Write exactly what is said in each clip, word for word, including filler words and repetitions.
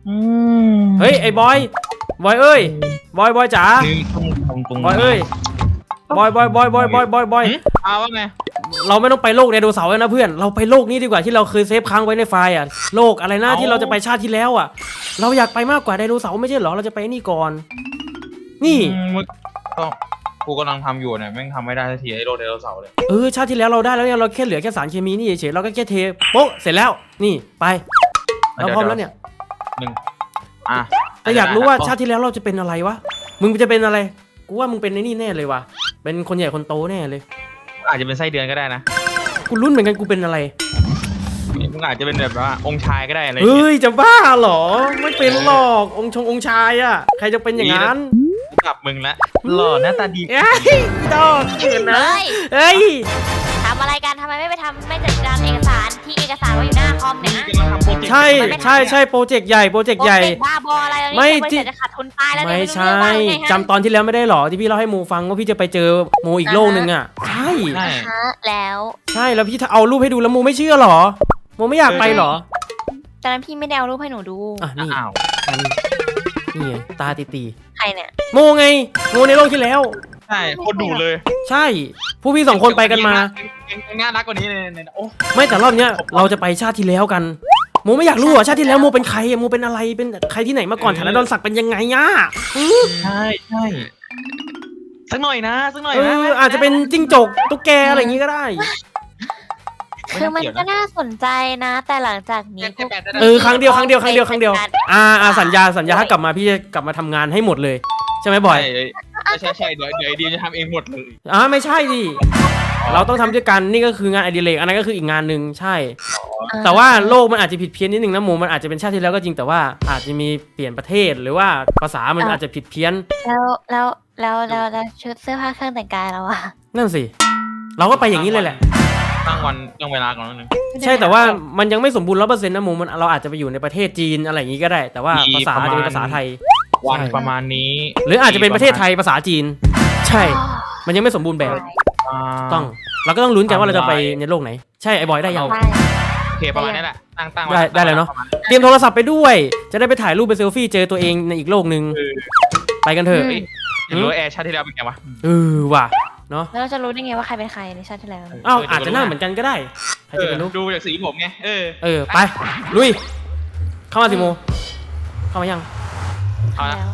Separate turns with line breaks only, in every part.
เฮ้ยไอ้บอยบอยเอ้ยบอยบอยจ๋าบอยเอ้ยบอยบอยบอยบอยบอยบอยบอย
เอาว่าไง
เราไม่ต้องไปโลกไดโนเสาร์แล้วนะเพื่อนเราไปโลกนี้ดีกว่าที่เราเคยเซฟค้างไว้ในไฟล์อ่ะโลกอะไรนะที่เราจะไปชาติที่แล้วอ่ะเราอยากไปมากกว่าไดโนเสาร์ไม่ใช่เหรอเราจะไปนี่ก่อนนี่
ก็กูกำลังทำอยู่เนี่ยแม่งทำไม่ได้สักทีไอ้โลกไดโนเสาร์เลย
เออชาติที่แล้วเราได้แล้วเนี่ยเราแค่เหลือแค่สารเคมีนี่เฉยๆเราก็แค่เทโป๊ะเสร็จแล้วนี่ไปเราพร้อมแล้วเนี่ย
หนึ่งอ่ะ
แต่อยากรู้ว่าชาติที่แล้วเราจะเป็นอะไรวะมึงจะเป็นอะไรกูว่ามึงเป็นในนี่แน่เลยว่ะเป็นคนใหญ่คนโตแน่เลย
อาจจะเป็นไส้เดือนก็ได้นะ
กูรุ่นเหมือนกันกูเป็นอะไร
มึงอาจจะเป็นแบบว่าองค์ชายก็ได้อะไร
เฮ้ยจะบ้าเหรอไม่เป็นหรอกองค์ชงองค์ชายอ่ะใครจะเป็นอย่างนั้น
กลับมึงละหล่อหน้าตาดี
เฮ้ยดอกเกินนะเฮ้ย
ทำอะไรกันทำไมไม่ไปทำไม่จัดการเอกสารที่เอกสารว่าอยู่หน้าคอมเนี่ย
ใช่ใช่ใช่โปรเจกต์ใหญ่โปรเจกต์ใหญ่
บ้าบออะไรไม่ที่จะขาดทุนตายแล้ว
ไม่ใช่จำตอนที่แล้วไม่ได้หรอที่พี่เล่าให้โมฟังว่าพี่จะไปเจอโมอีกโลกนึงอ่ะใช่
แล้ว
ใช่แล้วพี่เอารูปให้ดูแล้วโมไม่เชื่อหรอโมไม่อยากไปหรอ
ตอนนั้นพี่ไม่ได้เอารูปให้หนูดู
อ่ะนี่นี่ตาตีตี
ใครเนี่ย
โมไงโมในโลกที่แล้ว
ใช่คนดูเลย
ใช่ผู้พี่สองคนไปกันมา
น่ารักกว่านี้เลยโอ้
ไม่แต่รอบเนี้ยเราจะไปชาติที่แล้วกันโมไม่อยากรู้อ่ะชาติที่แล้วโมเป็นใครโมเป็นอะไรเป็นใครที่ไหนมาก่อนฐานะดอนศักดิ์เป็นยังไงอ่ะ
ใช่ใช่สักหน่อยนะสักหน่อย
นะอาจจะเป็นจิ้งจกตุ๊กแกอะไรอย่างงี้ก็ได้
คือมันก็น่าสนใจนะแต่หลังจากนี้
เออครั้งเดียวครั้งเดียวครั้งเดียวครั้งเดียวอ่าอ่าสัญญาสัญญาถ้ากลับมาพี่จะกลับมาทำงานให้หมดเลยใช่ไหมบอย
ใช่ใช่เดี๋ยวเดี๋ยวไอเดียจะทำเองหมดเลย
อ่าไม่ใช่ดิเราต้องทำด้วยกันนี่ก็คืองานอดิเรกอันนั้นก็คืออีกงานหนึ่งใช่แต่ว่าโลกมันอาจจะผิดเพี้ยนนิดนึงนะหมูมันอาจจะเป็นชาติที่แล้วก็จริงแต่ว่าอาจจะมีเปลี่ยนประเทศหรือว่าภาษามันอาจจะผิดเพี้ยน
แล้วแล้วแล้วแล้วชุดเสื้อผ้าเครื่องแต่งกายเราอะ
นั่นสิเราก็ไปอย่างนี้เลยแหละ
ตั้งวันตั้งเวลาก่อนนึง
ใช่แต่ว่ามันยังไม่สมบูรณ์ร้อยเปอร์เซ็นต์นะหมูมันเราอาจจะไปอยู่ในประเทศจีนอะไรอย่างนี้ก็ได้แต่ว่าภาษาจะเป็นภาษาไทย
วันประมาณนี้
หรืออาจจะเป็นประเทศไทยภาษาจีนใช่มันยังไม่สมบูรณ์แบบต้องเราก็ต้องลุ้นกันว่าเราจะไปในโลกไหนใช่ไอ้บอยได้ยัง
โอเคประมาณนี้แหละตั้งตั้ง
ได้ได้เลยเนาะเตรียมโทรศัพท์ไปด้วยจะได้ไปถ่ายรูปไปเซลฟี่เจอตัวเองในอีกโลกนึงไปกันเถอะ
รู้แอร์ชาติที่แล้วเป็นไงวะ
เออว่ะเนาะ
แล้วเราจะรู้ได้ไงว่าใครเป็นใครในชาติที่แล้ว
อ้าวอาจจะหน้าเหมือนกันก็ได้ใครจะไปรู้
ดูจากสีผมไงเออ
เออไปลุยเข้ามาสิโมเข้ามายัง
เอาละ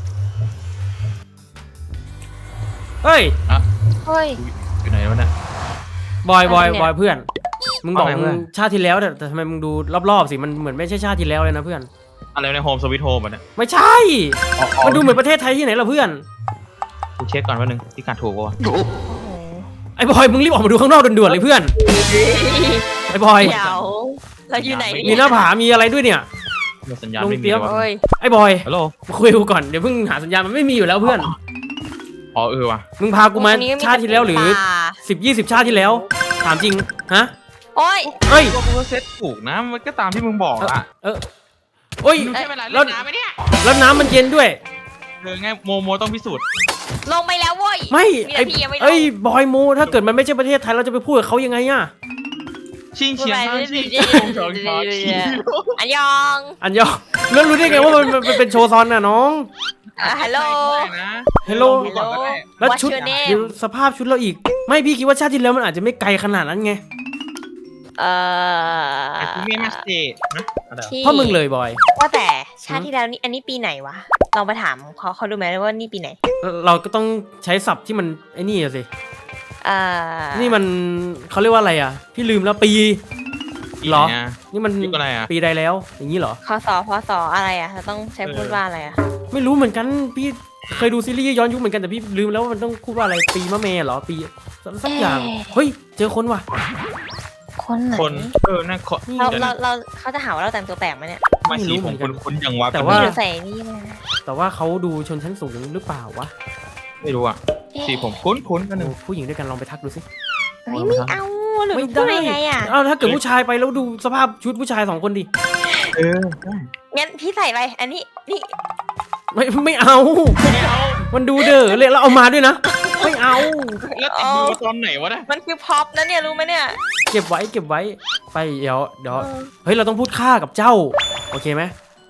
เฮ้ย
เฮ้ย
อยู่ไหนวะเนี่ย
บอยบอยบอยเพื่อนมึงบอกมึงชาติที่แล้วแต่ทำไมมึงดูรอบๆสิมันเหมือนไม่ใช่ชาติที่แล้วเลยนะเพื่อน
อะไรในโฮมสวิตโฮมอ่ะเนี่ย
ไม่ใช่มันดูเหมือนประเทศไทยที่ไหนล่ะเพื่อน
กูเช็คก่อนว่านึงที่การถูกป่ะ
ไอ้บอยมึงรีบออกมาดูข้างนอกด่วนๆเลยเพื่อนไอ้บอย
เดี๋ยวเราอยู่ไหน
มีหน้าผามีอะไรด้วยเนี่ย
สัญญาณไม่มี
ไอ้บอย
ฮัลโหล
คุยกูก่อนเดี๋ยวเพิ่งหาสัญญาณมันไม่มีอยู่แล้วเพื่อน
อ๋อเออว่ะ
มึงพากูมาชาติที่แล้วหรือสิบยี่สิบชาติที่แล้วถามจริงฮะ
โอ้ย
เฮ้ย
กูเซ็ตถูกนะมันก็ตามที่มึงบอกอ่ะ
เออโอ้ย
แล้วน้ำไหมเนี่ย
แล้วน้ำมันเย็นด้วย
เออไงโมโมต้องพิสูจน์
ลงไปแล้วเว้ย
ไม่ไอ้ไอ้บอยโมถ้าเกิดมันไม่ใช่ประเทศไทยเราจะไปพูดกับเขายังไงอ่ะ
ชิงเฉียงชิงชองชอง
อันยอง
อันยองแล้วรู้ได้ไงว่ามันเป็นโชว์ซอนน่ะน้อง
ฮัลโหล
ฮัลโหลแล้วชุดสภาพชุดเราอีกไม่พี่คิดว่าชาติที่แล้วมันอาจจะไม่ไกลขนาดนั้นไง
เออ
ไม่มาสเตทนะ
พ่อมึงเลยบอย
ว่าแต่ชาติที่แล้วนี่อันนี้ปีไหนวะลองไปถามเขาเขาดูไหมว่านี่ปีไหน
เราก็ต้องใช้ศัพท์ที่มันไอ้นี่สิ
อ่า
นี่มันเขาเรียกว่าอะไรอ่ะพี่ลืมแล้วปีหรอนี่มันปีใดแล้วอย่างนี้เหรอ
คศพศอะไรอ่ะเราต้องใช้พูดว่าอะไรอ่ะ
ไม่รู้เหมือนกันพี่เคยดูซีรีส์ย้อนยุคเหมือนกันแต่พี่ลืมแล้วว่ามันต้องพูดว่าอะไรปีมะเมเหรอปีสักอย่างเฮ้ยเจอคนว่ะ
คนไหน
คนเออนั่น
เราเราเราเขาจะหาว่าเราแต่งตัวแปลกไหมเนี่ย
ไม่รู้ผมคนคนอย่างวะ
แต่ว่า
ใส่นี่มา
แต่ว่าเขาดูชนชั้นสูงหรือเปล่าวะ
ไม่รู้อ่ะสีผมคุ้นคุ้นกันหนึ่ง
ผู้หญิงด้วยกันลองไปทักดูสิ
ไม่เอาหรือพูดยังไงอ่ะ
เอาถ้าเกิดผู้ชายไปแล้วดูสภาพชุดผู้ชายสองคนดิ
เออ
งั้นพี่ใส่ไปอันนี้นี่
ไม่ไม่เอามันดูเด้อเลยเราเอามาด้วยนะไม่เอา
แล้วติดมือตอนไหนวะเนี่ย
มันคือพ็อปนะเนี่ยรู้ไหมเนี่ย
เก็บไว้เก็บไว้ไปเดี๋ยวเดี๋ยวเฮ้ยเราต้องพูดค่ากับเจ้าโอเคไหม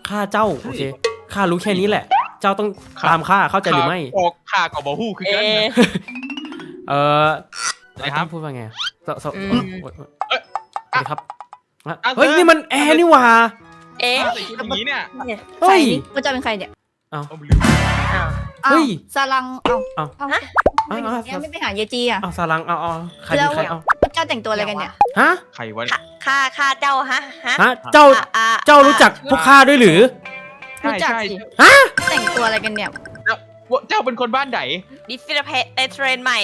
ฆ่าเจ้าโอเคข้ารู้แค่นี้แหละ เจ้าต้องตามข้าเข้าใจหรือไม่
ออกข่ากับบอฮู้คือกันนะ
เออ
นะครับ
พูดว่าไงสส
อืม
สวัสดีครับเฮ้ยนี่มันแอร์นี่หว่า
เอ๊ะ
ใส่ชุดอย่างนี้เนี่ย
เฮ้ย
พระเจ้าเป็นใครเนี่ย
เอาไปลืม
อ้าว
เฮ้ย
สลังเอา
เอา
เอา
ฮะ
เอาเอา
ยังไม่ไปหาเยจีอ่ะ
เอาสารังเอาเอาใครเป็นใครเอา
พระเจ้าแต่งตัวอะไรกันเนี่ย
ฮะ
ใครวะ
ค่าค่าค่าเจ้าฮะฮะ
ฮะเจ้า
อ่ะอ่ะ
เจ้ารู้จักพวกข้าด้วยหรือ
ใช่
รู้จัก
ใช่
สิ
ฮะ
แต่งตัวอะไรกันเนี่ย
เจ้าเป็นคนบ้านไหน
ดิฟิลเพในเทรนใหม่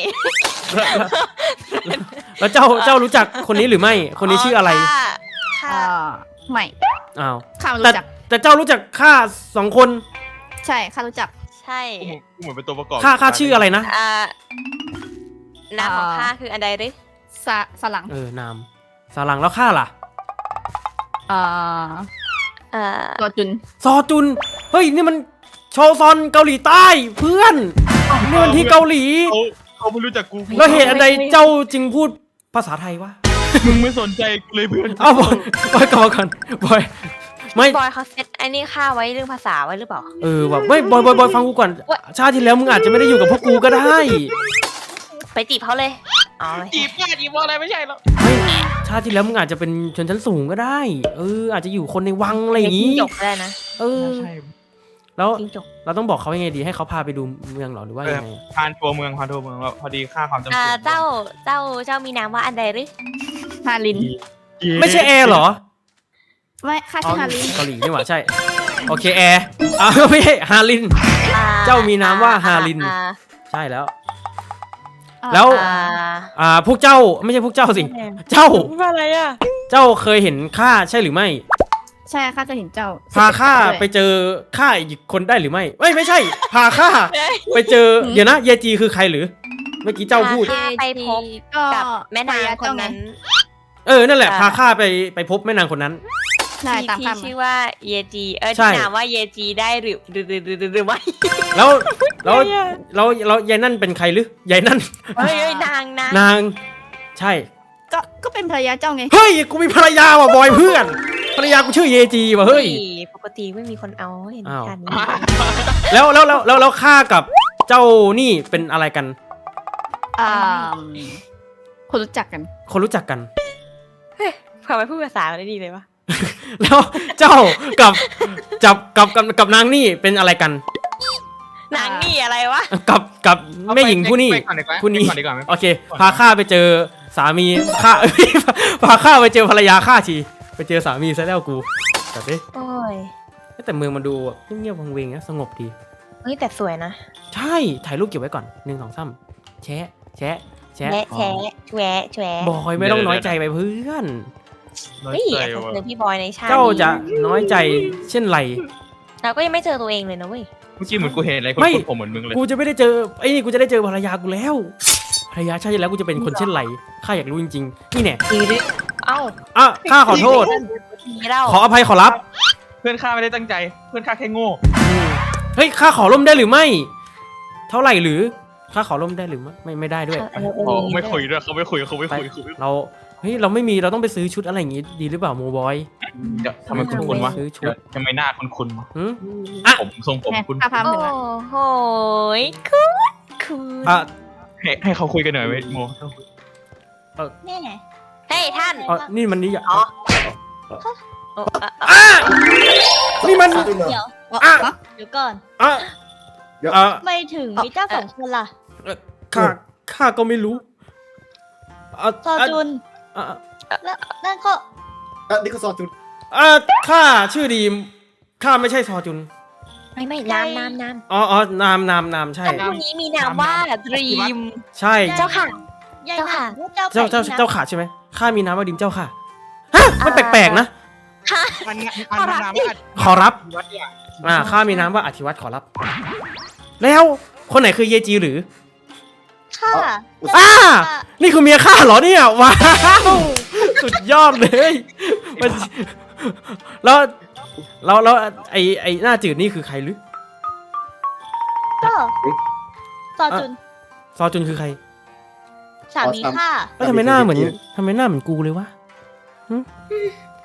แล้วเจ้าเจ้ารู้จักคนนี้หรือไม่ คนนี้ชื่ออะไร
ค่าค่า
อ่าไม่
อ้าว
ข้าไม่
แต่
รู้จัก
แต่เจ้ารู้จักข้าสองคน
ใช่ข้ารู้จัก
ใช่
กูเหมือนเป็นตัวประกอบ
ข้าข้าชื่ออะไรนะ
อ่าน้ำของ
อ่า
ข้าคืออันใดหรือ
สะสลัง
เออนามสารังแล้วข้าล่ะ
อ่า
เอ่อ
ตัวจุน
ซอจุน เฮ้ยนี่มันโชซอนเกาหลีใต้เพื่อนนี่มันที่เกาหลี
เขาเขาไม่รู้จักกู
แล้วเหตุอันใดเจ้าจึงพูดภาษาไทยวะ
มึงไม่สนใจกูเลยเพื่อน
เอาบอยบอยกลับมาก่อนบอยไม่
บอยเขาเซตไอ้นี่ค่าไว้เรื่องภาษาไว้หรือเปล่า
เออแบบไม่บอยบอยบอยฟังกูก่อน ชาติที่แล้วมึงอาจจะไม่ได้อยู่กับพวกกูก็ได้
ไปจีบเขาเลยอ๋อ
จีบแม่จีบอะไรไม่ใช่หรอก
ไม่ชาติที่แล้วมึงอาจจะเป็นชนชั้นสูงก็ได้ เออ อาจจะอยู่คนในวังอะไรอย่าง
นี้
งี้
จบก็ได้นะ
เออ
ใช่
แล้ว
จิ้งจก
เราต้องบอกเขายังไงดีให้เขาพาไปดูเมืองเหรอหรือว่ายังไง
พานทัวร์เมืองพานทัวร์เมืองแล้วพอดีค่าความจำ
อ่า
เป็น
เจ้าเจ้าเจ้ามีนามว่าอันใดหรือ
ฮาริน
ไม่ใช่แอร์เหรอ
ไม่ข้า
อ๋อ
ชื่อฮาริน
เกาหลีนี่หว่าใช่ โอเคแอร์อ่าไม่ใช่ฮาริน
อ่
เจ้ามีนามว่าฮาริน
อ่
ใช่แล้ว
อ่า
แล้ว
อ่า
อ่าพวกเจ้าไม่ใช่พวกเจ้าสิ เจ้า
ว่าอะไรอ่ะ
เจ้าเคยเห็นข้าใช่หรือไม่
ใช่ข้าจะเห็นเจ้า
พาข้า
ด้วย
ไปเจอข้าอีกคนได้หรือไม่ไม่ไม่ใช่ พาข้าไปเจอเดี๋ยวนะเยจีคือใครหรือ เมื่อกี้เจ้าพูด
พาไปพบ
ก็
กับแม่นางคนนั้น
เออนั่นแหละ
อ่า
พาข้าไปไปพบแม่นางคนนั้น
ใช่
ที่
ตาม
ที่
คำ
ชื่อว่าเยจีเออ
ใช่
ที่นามว่าเยจีได้หรือหรือหรือหรือหรือหรือไม่
แล้วแล้วแล้วแล้วยายนั่นเป็นใครหรือยายนั่น
เฮ้ยเฮ้ยนางนาง
นาง ใช่
ก็ก็เป็นภรรยาเจ้าไง
เฮ้ยกูมีภรรยาว่ะบอยเพื่อนภรรยากูชื่อเยจีว่ะเฮ้ย
ปกติไม่มีคนเอาเห็น
อ้าว
กัน
แล้วแล้วแล้วแล้วแล้วข้ากับเจ้านี่เป็นอะไรกัน
อ่าคนรู้จักกัน
คนรู้จักกัน
ทำไมพูดภาษาได้ดีเลยวะ
แล้วเจ้ากับจับกับกับกับนางนี่เป็นอะไรกัน
นางนี่อะไรวะ
กับกับแม่หญิงผู้นี้
ไปก่อนดีกว่า
ผู้นี้
ไปก่อนดีกว่าไหม
โอเค พาข้าไปเจอสามีข้า พาข้าไปเจอภรรยาข้าทีไปเจอสามีซะแล้วกูแบบนี้
โอ้ย
แต่เมืองมันดูแบบเงียบๆวังเวงนะสงบดี
เฮ้ยแต่สวยนะ
ใช่ถ่ายรูปเก็บไว้ก่อนหนึ่งสองสามแชะแชะแชะ
แฉะแฉะแฉะแฉะ
บอยไม่ต้องน้อยใจไปเพื่อน
น้อย
เฮ้ย
ใจ
อาจจะ
ว่ะ
เจอพี่บอยในชาติ
เจ้าจะ
นี้
น้อยใจเช่นไร
เราก็ยังไม่เจอตัวเองเลยนะเว้ย
เมื่อกี้เหมือนกูเห็นอะไรคน
ไม่
ผมเหมือนมึงเลย
กูจะไม่ได้เจอไอ้นี่กูจะได้เจอภรรยากูแล้วภรรยาชาติที่แล้วกูจะเป็นคนเช่นไรข้าอยากรู้จริงๆนี่แน่
ดีดิเอ้า
อ่ะข้าขอโทษ
ทีเล่า
ขออภัยขอรับ
เพื่อนข้าไม่ได้ตั้งใจ เพื่อนข้าแค่โง่
อืมเฮ้ยข้าขอร่มได้หรือไม่ เท่าไหร่หรือข้าขอร่มได้หรือไม่ไม่ไม่ได้ด้วย
เออเออ
อ๋อ
เออ
ไม่คุยด้วยเขาไม่คุยเขาไม่คุยเขาไม่คุย
เราเฮ้ยเราไม่มีเราต้องไปซื้อชุดอะไรอย่างงี้ดีหรือเปล่าโมบอย
เดี๋ยวทำไมคุณคุณวะ
ซื้อชุด
เดี๋ยวทำไมหน้าคุณคุณวะ
หืม
ผมทรงผม
แหม่
คุณ
ข้าพา
โอ้
ถึงแล้ว
โหยคุณคุณ
อ่ะ
ให้ให้เขาคุยกันหน่อยไหมโม
นี่ไงเฮ้ยท่าน
อ๋อนี่มันนี่อ่ะ
อ๋อโอ้อ่ะอ่ะ
อ่ะนี่มัน
เดี๋ยว
อ่ะ
เดี๋ยวก่อน
อ่ะอ่ะ
ไม่ถึงมีเจ้าสองคนล่ะ
ข้าข้าก็ไม่รู้อ่ะ
ซอจุน
อ่ะ
แล้วนั่นก็
อ่ะนี่ก็ซอจุน
อ่ะข้าชื่อดีมข้าไม่ใช่ซอจุน
ไม่ไม่น้ำน้ำน้ำ
อ๋ออ๋อนามนามนามใช่
ท่านผู้นี้มีนามว่าดรีม
ใช่
เจ้าค่ะ
ยาย
เจ้าค่ะ
เจ้า
เจ้าเจ้า
แปลก
เจ้าขาใช่ไหมข้ามีนามว่าดิมเจ้าค่ะฮะมันแปลกๆนะ
ฮะ
อันนี้
ขอรับดิ
ขอรับ
วัดเนี่ย
อ่าข้ามีนามว่าอธิวัตรขอรับ แล้วคนไหนคือเยจีหรือ
ค่ะ
อ่านี่คือเมียข้าเหรอเนี่ยว้าวสุดยอดเลยมันแล้วแล้วแล้วไอไอหน้าจืดนี่คือใครหรือ
ก็ซอจุน
ซอจุนคือใคร
สามีค่ะ
แล้วทำไมหน้าเหมือนทำไมหน้าเหมือนกูเลยวะ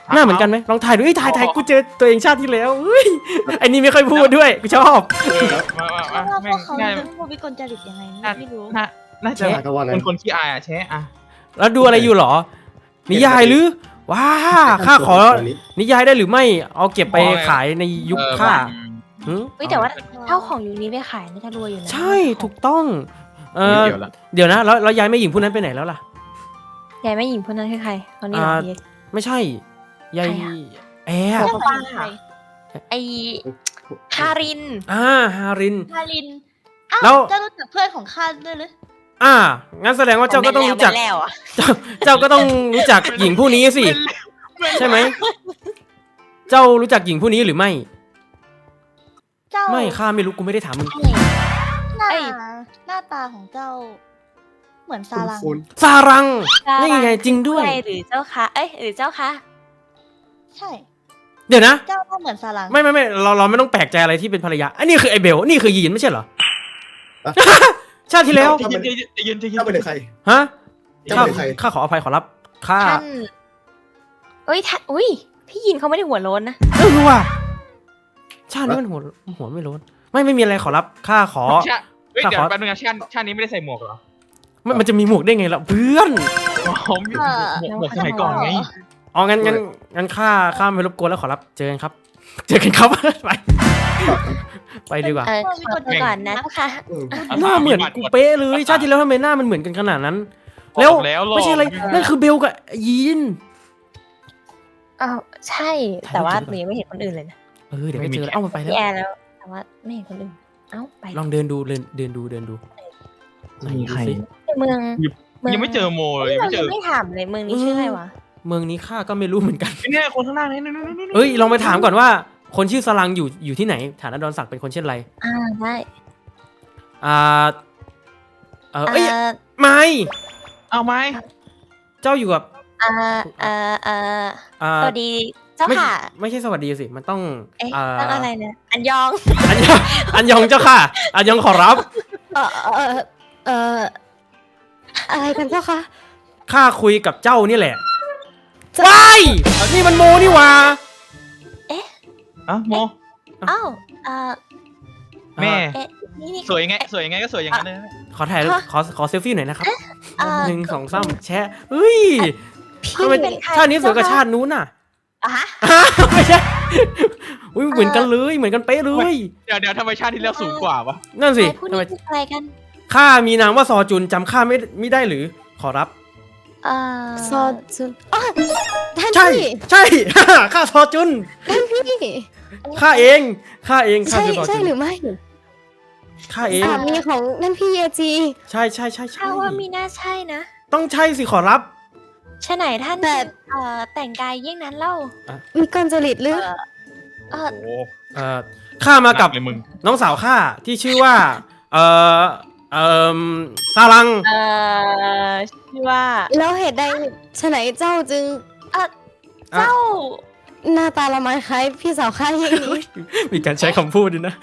หน้าเหมือนกันไหมลองถ่ายดูเอ้ยถ่ายถ่ายกูเจอตัวเองชาติที่แล้วเฮ้ยไอ้นี่ไม่ค่อยพูดด้วยกูชอบ
เออมามา
เพราะ
มา
ว่า
แม่
พว
ง
กเขา
ง่าย
เป็นพวกวิกลจริตยังไงไม่รู้
น่าน่าจะ
แชะ
คนคนขี้อายอ่ะแชะอ่ะ
แล้วดูอะไรอยู่หรอ นิยายหรือว้าข้าขอนิยายได้หรือไม่เอาเก็บไปขายในยุค
เออ
ข้า
มัน
หึ
เฮ้ยแต่ว่าเท่าของยูนี้ไปขายน่าจะรวยอยู่นะ
ใช่ถูกต้องเอ
ไม่
อ
เกี่ยวละ
เดี๋ยวนะแล้วแล้วยายแม่หญิงผู้นั้นไปไหนแล้วล่ะ
ยายแม่หญิงคนนั้นคือใครตอนนี้เหรอ
อ่า
พี่
ไม่ใช่ยาย
ใครอะ
แอร์
เจ้าของใคร
ไอฮาริน
อ่าฮาริน
ฮารินอ้าว
แล้ว
เจ้ารู้จักเพื่อนของข้าด้วยหรือ
อ่างั้นแสดงว่าเจ้าก็ต้องรู้จัก
ไม่แล้วอ่ะ
เจ้าเจ้าก็ต้องรู้จักหญิงผู้นี้สิใช่ไหมเจ้ารู้จักหญิงผู้นี้หรือไม่
เจ้า
ไม่ข้าไม่รู้กูไม่ได้ถามมึง
หน้า
เอ้ย
หน้าตาของเจ้า เหมือนซาลัง
ซารังนี่ไงจริงด้วย
หรือเจ้าคะเอ้ยหรือเจ้าคะ
ใช่
เดี๋ยวนะ
เจ้าก็เหมือนซาลัง
ไม่ไม่ไม่เราเราไม่ต้องแปลกใจอะไรที่เป็นภรรยาอันนี้คือไอเบลนี่คือยีนไม่ใช่เหรอ ชาติที่แล้ว
ใจเย็นใจเย็นใจเย็นใจเย็น
เจ้าเป็นใคร
ฮะ
เจ้า
ข้า
เป็นใคร
ข้าขออภัยขอรับข้า
ท่านเอ้ยท่านอุ้ยพี่ยินเขาไม่ได้หัวโล้นนะ
เออว่ะชาตินี้มันหัวหัวไม่โล้นไม่ไม่มีอะไรขอรับข้าขอ
ชาเฮ้ย
ข้า
เดี๋ย
ข
ว
อ
แป๊บนึงนะชาติชาตินี้ไม่ได้ใส่หมวกเหรอ
มันมันจะมีหมวกได้ไงล่ะเพื่อน
อ๋อมีหมวกหมวกสมัยก่อนไง
อ๋องั้นงั้นงั้นข้าข้าไม่รบกวนแล้วขอรับเจอกันครับ เจอกันครับ ไปไปดีกว่า
เออขอตัวก่อนนะเจ้าค่ะ
เออ
หน้าเหมือนกูเป๊ะเลยชาติที่แล้วทำไมหน้ามันเหมือนกันขนาดนั้น แล้ว
บอกแล้วหลอก
ไม่ใช่อะไรนั่นคือเบลกับยีน
อ้าวใช่ แต่ว่าหนูยังไม่เห็นคนอื่นเลยนะ
เออเดี๋ยวก็เจอแล้วเอ้ามันไปแล้ว
พี่แอร์แล้ว แต่ว่าไม่เห็นคนอื่น เอ้าไป
ลองเดินดูเดินเดินดูเดินดูไหนดูสิ
เมืองเมือง
ยังไม่เจอโมเลยยัง
เรา
ไม่เจ
ยั
อง
ไม่ถามเลยเมืองนี้ชื่ออะไรวะ
เมืองนี้ข้าก็ไม่รู้เหมือนกัน
เนี่ยคนข้างหน้านี่นี่นี่นี่
เอ้ยลองไปถามก่อนว่า คนชื่อสลังอยู่อยู่ที่ไหนฐานะดอนศักดิ์เป็นคนเช่นไร
อ่าได้
อ่าเออเอ้ย
อ่า
ไม่
เอาไหม
เจ้าอยู่กับ
อ่าอ่าอ่า
อ่า
สวัสดีเจ้า
ไม่
ค่ะ
ไม่ใช่สวัสดีสิมันต้อง
เอ๊ะ
อ่า
ตั้งอะไรนะอันยอง
อันยองอันยองเจ้าค่ะ อันยองขอรับ
เออเออเอออะไรกันเจ้าคะ
ข้าคุยกับเจ้านี่แหละ
จะ
ว้ายนี่มันโมนี่หว่า
อ่ะโม
อ้าวอ่า
แม่
เอ๊ะนี่นี่
สวยยังไงสวยยังไงก็สวยอย่างนั้นเลย
ขอถ่ายรูป
ฮะ
ขอขอเซลฟี่หน่อยนะครับ
อ่า
หนึ่งสองสามแชะเฮ้ย
พี่
ทำไม
เป็นใคร
ชาตินี้สวยกว่า
เจ้าคะ
ชาตินู้นน่ะ
อ่ะฮะ
ไม่ใช่อุ้ยเหมือนกันเลยเหมือนกันเป๊ะเลย
เดี๋ยวเดี๋ยวทำไมชาติที่แล้วสูงกว่าวะ
นั่นสิ
ใครพูด
ทำไม
นี่คืออะไรกัน
ข้ามีนามว่าซอจุนจำข้าไม่ไม่ได้หรือขอรับ
เอ่อ
ซอจุนอ๋อท่าน
ใช่
พี่
ใช่ ข้าซอจุน
ท่านพี่
ข้าเองข้าเองข้า
ใช่
คือซอ
ใช่
จุน
หรือไม่
ข้าเอง
สามีของท่านพี่เยจี
ใช่ใช่ใช่ใช่
ถ้าว่ามีน่าใช่นะ
ต้องใช่สิขอรับ
ใช่ไหนท่าน
แต่
เอ่อแต่งกายเยี่ยงนั้นเล่า
มีกลจริตหรือ
เออ
โอ้
เอ่อข้ามากับ
หนัเลยมึง
น้องสาวข้าที่ชื่อว่า เอ่อเอ่อซาลัง
เอ่อชื่อว่า
แล้วเหตุใดฉะไหนเจ้าจึง
เอ่อเจ้า
หน้าตาละไมคล้ายพี่สาวข้าอย่างนี้
มีการใช้คำพูดด้วยนะ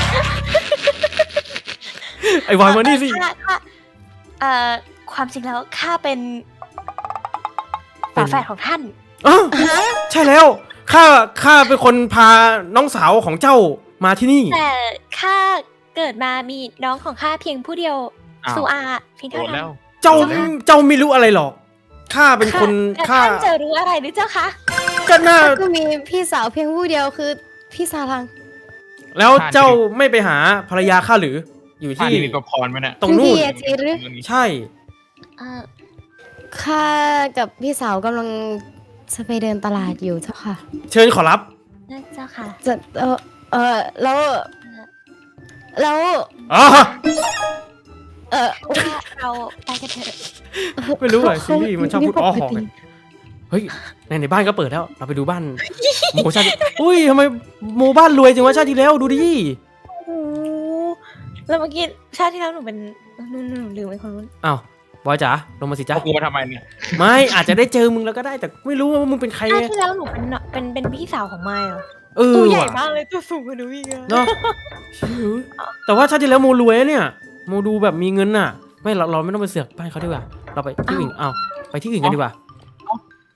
ไอ้วายมานี่สิ
ข้าข้าเอ่อความจริงแล้วข้าเป็น
เป็น
ฝาแฝดของท่าน
อ๋อใช่แล้วข้าข้าเป็นคนพาน้องสาวของเจ้ามาที่นี่
แต่ข้าเกิดมามีน้องของข้าเพียงผู้เดียว
อ้าว
สุอาเพียง
โด
เท่าน นั้
แล้
น
ว
เจ้าเจ้าไม่รู้อะไรหรอกข้าเป็นคน
แต่
ข้า
ท่านจะรู้อะไรหรือเจ้าคะ
ก็น่า
ก็มีพี่สาวเพียงผู้เดียวคือพี่สารัง
แล้วเจ้าไม่ไปหาภรรยาข้าหรือ อยู่
ชา
ที่
ตินี้มีประพรไหมเนี่ย
ตรงนู่น
พี่เยจีหรือ
ใช่
เอ่อ
ข้ากับพี่สาวกำลังจะไปเดินตลาดอยู่เจ้าค่ะ
เชิญขอรับ
นั่นเจ้าค่ะ
จะเออเออแล้วแล้ว
อ๋อ
เออ
ว่าเราไปกันเถอะ
ไม่รู้เลยซีรีส์มันชอบพูดอ้อหอกเลยเฮ้ยในในบ้านก็เปิดแล้ว เราไปดูบ้านโมชาติอุ้ยทำไมโมบ้านรวยจังวะชาติที่แล้วดูดิ
โอ้โหแล้วเมื่อกี้ชาติที่แล้วหนูเป็นหนูหนูหนูลืมไอ้คนนู้น
อ้าวบอยจ๋าลงมาสิจ้า
เอากูมาทำไมเนี่ย
ไม่อาจจะได้เจอมึงแล้วก็ได้ แต่ไม่รู้ว่ามึงเป็นใคร
ชาติ
ไง
ที่แล้วหนูเป็นเนาะเป็นเป็นพี่สาวของไมค์เหรอ
เออ
ตัวใหญ่
ว่ะ
มากเลยตัวสูงกว่าหนูอีกอะ
เนาะแต่ว่าชาติที่แล้วโมรวยนะเนี่ยโมดูแบบมีเงินน่ะ ไม่เราเราไม่ต้องไปเสือกบ้านเขาดีกว่า เราไปที่อื่นอ้าวไปที่อื่นกันดีกว่า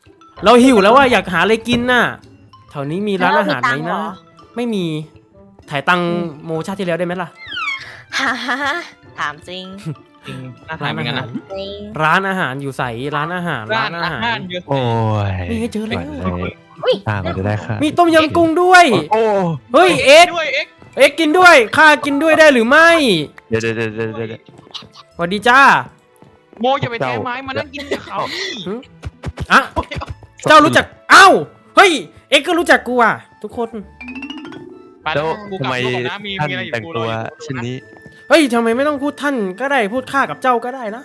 เราหิวแล้วว่าอยากหาอะไรกินน่ะแถวนี้มีร้านอาหารไหมนะไม่มีถ่ายตังค์โมชาติที่แล้วได้ไหมล่ะ
ฮ่าฮ่าฮ่าถามจริง
จริงน่าทานเหมือนกันนะ
จริง
ร้านอาหารอยู่ใสร้านอาหาร
ร้า
ร้าน น
อา
อาหาร
หารเยอะ
โอ้ย
นี่ไงเจอ
ห
แล้ว
วันเลย
อุ้ย
ตามมาจะได้ค่ะ
มีต้มยำกุ้งด้วย
โอ้
เฮ้ยเอ็ก
ด้วยเอ็ก
เอ็กกินด้วยข้ากินด้วยได้หรือไม่
เดี๋ยวเดี๋ยวเดี๋ยวเดี๋ยวเดี๋ยว
สวัสดีจ้า
โมอย่าไปแทงไม้มานั่งกินกับเขา
อ่ะเจ้ารู้จักเอ้าเฮ้ยเอ็กก็รู้จักกูอ่ะทุกคน
ไป
แล้ว
กูก
ทำ
ลับ
ไม
ตัวก่อนนะมี
ท่าน
มีอะไรอยู่
แต่ง
กู
ตัว
รออยู่
เช่นนี้
เฮ้ยทำไมไม่ต้องพูดท่านก็ได้พูดข้ากับเจ้าก็ได้นะ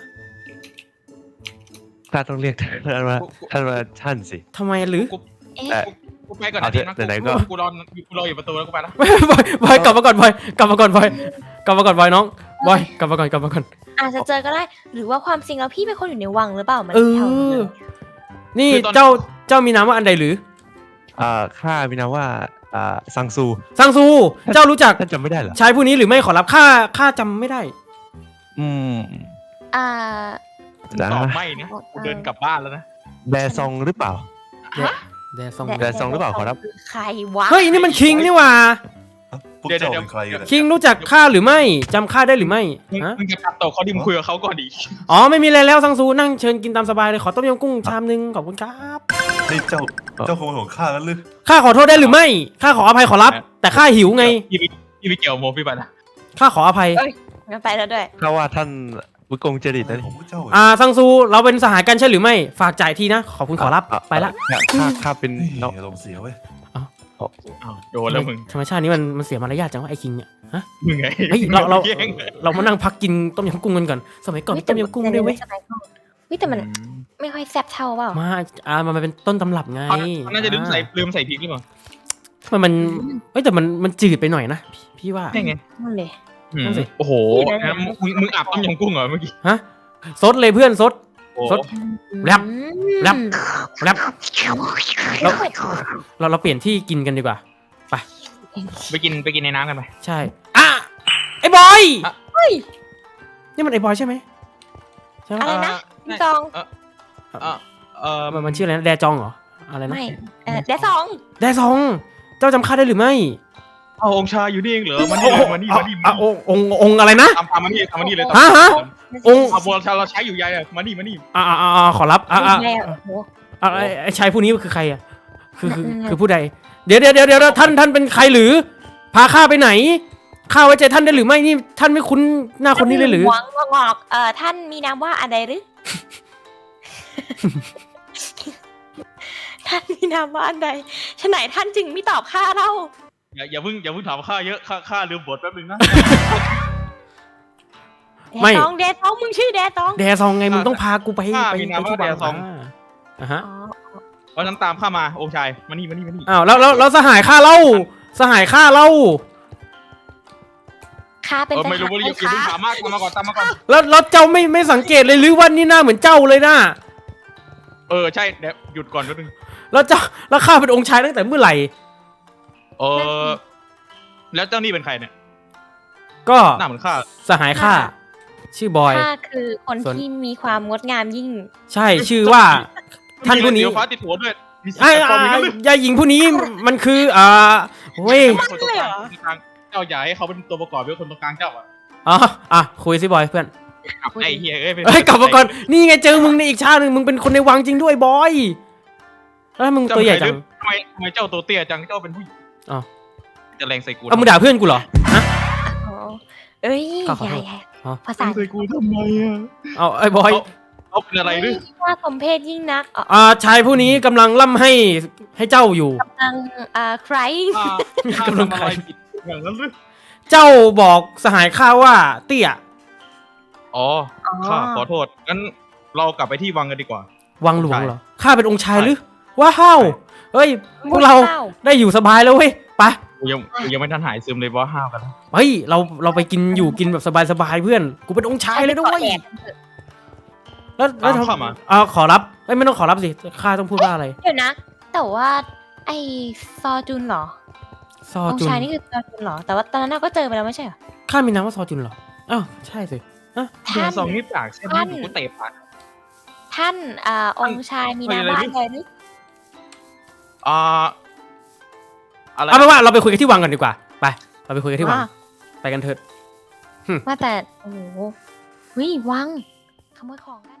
ข้าต้องเรียกท่านว่าท่านว่าท่านสิ
ทำไมหรือ
เอ๊ะ
แต่
กูไปก่อน
เอา
นะ
เถ
ที
อะ
นะ
ไหนๆก็
กูรอกูรออยู่ประตูแล้วกูไปละ
บอยบอยกลับมาก่อนบอยกลับมาก่อนบอยกลับมาก่อนบอยน้องบอยกลับมาก่อนกลับมาก่อน
อาจจะเจอก็ได้ หรือว่าความจริงแล้วพี่เป็นคนอยู่ในวังหรือเปล่ามัน
เอ
แถว
อ
นี้
นี่เจ้าเจ้ามีนามว่าอันใดหรือ
อ่าข้ามีนามว่าอ่าซังซู
ซังซูเจ้ารู้จัก
ท่านจำไม่ได้เหรอ
ชายผู้นี้หรือไม่ขอรับข้าข้าจำไม่ได้
อืม
อ่า
นะ
ตอบไม่นะกูเดินกลับบ้านแล้วนะ
แดซองหรือเปล่า
แดซอง
แดซองหรือเปล่าขอรับ
ใครวะ
เฮ้ยนี่มันคิงนี่หว่า
พวกเจ้าเป็นใครกัน
คิงรู้จักข้าหรือไม่จำข้าได้หรือไม่
มึง
ฮะ
มึงจะตัดต่อเขาดิมงคุยกับเขาก่อนดิ
อ๋อไม่มีอะไรแล้วซังซูนั่งเชิญกินตามสบายเลยขอต้มยำกุ้งชามนึงขอบคุณครับ
นี่เจ้าเจ้าขโมยของข้ากันหรือ
ข้าขอโทษได้หรือไม่ข้าขออภัยขอรับ แต่ข้าหิวไง
พี่พี่พี่ไปเกี่ยวโมพี่ไปละ
ข้าขออภัย
งั้นไปแล้วด้วย
ข้าว่าท่านวิกงจริตนะ
ของพวกเจ้า
อ่าซังซูเราเป็นสหายกันใช่หรือไม่ฝากจ่ายทีนะขอบคุณขอรับไปละ
ข้าข้าเป็น
นี่
น้อง
อารมณ์เสียเว้ย
อ้าวโดนแล้วมึง
ธรรมชาตินี้มันมันเสียมารยาทจังวะไอ้คิงเนี่ยฮะ
มึงไง
เฮ้ยเราเรา
แย่ง
เรามานั่งพักกินต้มยำกุ้งกันก่อนสมัยก่อนมีต้มยำกุ้งด้วยเว้ย
วิแต่มันไม่ค่อยแซ่บเท่าเปล่า
มาอ่ามันเป็นต้นตำรับไง
เขาน่าจะลืมใส่ลืมใส่พริกหรือเปล่า
มันมันเอ้ยแต่มันมันจืดไปหน่อยนะพี่พี่ว่า
ใช่ไง
นั่นเลย
อืม
นั่นสิ
โอ้โหงั้นมึงมึงอาบต้มยำกุ้งเหรอเมื่อกี้
ฮะซดเลยเพื่อนซด
โอ้
สด แรป แรป แรปเราเราเราเปลี่ยนที่กินกันดีกว่า
ไปกินไปกินในน้ำกันไป
ใช่อ่ะไอ้บอย
อ่ะ
เฮ้ย
นี่มันไอ้บอยใช่ไหมใช่ไหม
อะไรนะ
เอ่อ
จอง
เออเออเออ
มันมันชื่ออะไรนะแดจองเหรออะไรนะ
ไม่เออแดดสอง
แดซอง เจ้าจำข้าได้หรือไม่
เอาองค์ชายอยู่นี่เองเหรอมานี่เลยมานี่มานี่
อ่ะองค์องค์องค์อะไรนะ
ตามตามมานี่ตามมานี่เลย
ฮะฮะ องค์
เอาบัวเราใช้อยู่ยายอะมานี่มานี่
อ่าอ่าอ่าขอรับอ่าอ่า
แม่โอ้โห
อ่าไอ้ไอ้ชายผู้นี้คือใครอ่ะคือคือ
อืม
คือผู้ใด เดี๋ยวเดี๋ยวเดี๋ยวเดี๋ยวท่านท่านเป็นใครหรือ พาข้าไปไหนข้าไว้ใจท่านได้หรือไม่นี่ท่านไม่คุ้นหน้าคนนี้เลยหรือ
หวังงอกเอ่อท่านมีนามว่าอะไรหรือ ท่านมีนามว่าอันใดฉะไหนท่านจึงไม่ตอบข้าเล่า
อย่าอย่าเพิ่งอย่าเพิ่งถามข้าเยอะข้าข้าลืมบทแป๊บนึงนะ
ไม่
แดดสองแดดสองมึงชื่อแดดสอง
แดซองไงมึงต้องพากูไป
ข้า
ไป
มีนาม
ไป
ว่า
ที่
แด
บ้าน
ซอง
อ่าฮะ
อ๋อ
เพราะฉะนั้นตามข้ามาองค์ชายมานี่มานี่มานี่
อ้าวแล้วแล้วแล้วสหายข้าเล่าสหายข้าเล่า
ข้าเป็น
เออไม่รู้ว่า
ท
อย่า
หาร
เพิ่งถามมากตามมาก่อนตามมาก่อน
แล้วแล้วเจ้าไม่ไม่สังเกตเลยหรือว่านี่หน้าเหมือนเจ้าเลยนะ
เออใช่เดี๋ยวหยุดก่อนแป๊บนึง
แล้วเจ้าแล้วข้าเป็นองค์ชายตั้งแต่เมื่อไหร่
เออแล้วเจ้านี่เป็นใครเนี่ย
ก็
หน้าเหมือนข้า
สหายข้าชื่อบอย
ข้าคือคน
ส่วน
ที่มีความงดงามยิ่ง
ใช่ชื่อว่า ท่านผู้นี้
มีเรือฟ้าติดหัวด้วยมีสี
ไอ้
แปลกปลอมอีกแล้ว
ยายหญิงผู้นี้มันคืออ่าเว้ย
คนตรงกลางคนตรงกลางเจ้าอย่าให้เขาเป็นตัวประกอบเป็นคนตรงกลางเจ้าอ่ะ
อ๋ออ่ะคุยสิบอยเพื่อน
กลับไอ้เฮียเอ้ย
เฮ้ยกลับมาก่อนนี่ไงเจอมึงในอีกชาติหนึ่งมึงเป็นคนในวังจริงด้วยบอยแล้วมึงตัวใหญ่จัง
ทำไมทำไมเจ้าตัวเตี้ยจังเจ้าเป็นผู้หญิง
อ้าว
จะแรงใส่กู
เอามึงด่าเพื่อนกูเหรอฮะ
อ๋อเอ้ย
ก็ขอ
ให
โท
ญ่
ษ
ใหญ่
อ๋อ
ภาษา
ใส่กูทำไมอ่ะ
เอาไอ้บอย
เขาเป็นอะไรหรือ
ว่าสมเพศยิ่งนักอ๋อ
อ่าชายผู้นี้กำลังล่ำให้ให้เจ้าอยู่
กำลังอ่าใคร
ข้าข้ากำลังอะไรผิดอย่างนั้นหรือ
เจ้าบอกสหายข้าว่าเตี้ย
อ๋อข้าขอโทษงั้นเรากลับไปที่วังกันดีกว่า
วังหลวงเหรอข้าเป็นองค์ชายหรือว้าวเฮ้ยพวกเรา
ข้
ได้อยู่สบายแล้วเว้ยไป
กูยังกูยังไม่ทันหายซึมเลยเพราะห้าวกันแล้ว
เฮ้ยเราเราไปกินอยู่กินแบบสบายๆเพื่อนกูเป็นองค์ชายเลยด้วย
แอบ
แล้วแล้ว
ตาม
ทำ
เข้ามา
อ่าขอรับเอ้ยไม่ต้องขอรับสิข้าต้องพูดว่าอะไร
เดี๋ยวนะ แต่ว่าไอซอจุนเหรอ
ซอ
อง
จุ
ค์
น
ชายนี่คือซอจุนเหรอ แต่ว่าตอนนั้นเราก็เจอไปแล้วไม่ใช่เหรอ
ข้ามีนามว่าซอจุนเหรออ้าวใช่สิ
เดือนสองนี่ปากใช่ไหม
ท่าน
กูเตะปาก
ท่านอ่าองค์ชายมีนามว่าอะไรหรือ
อ่าอะไร
เอาเป็นว่าเราไปคุยกันที่วังกันดีกว่าไปเราไปคุยกันที่วัง
ว่า
ไปกันเถิด
ว่าแต่โอ้โหเฮ้ยวังขโมยของได้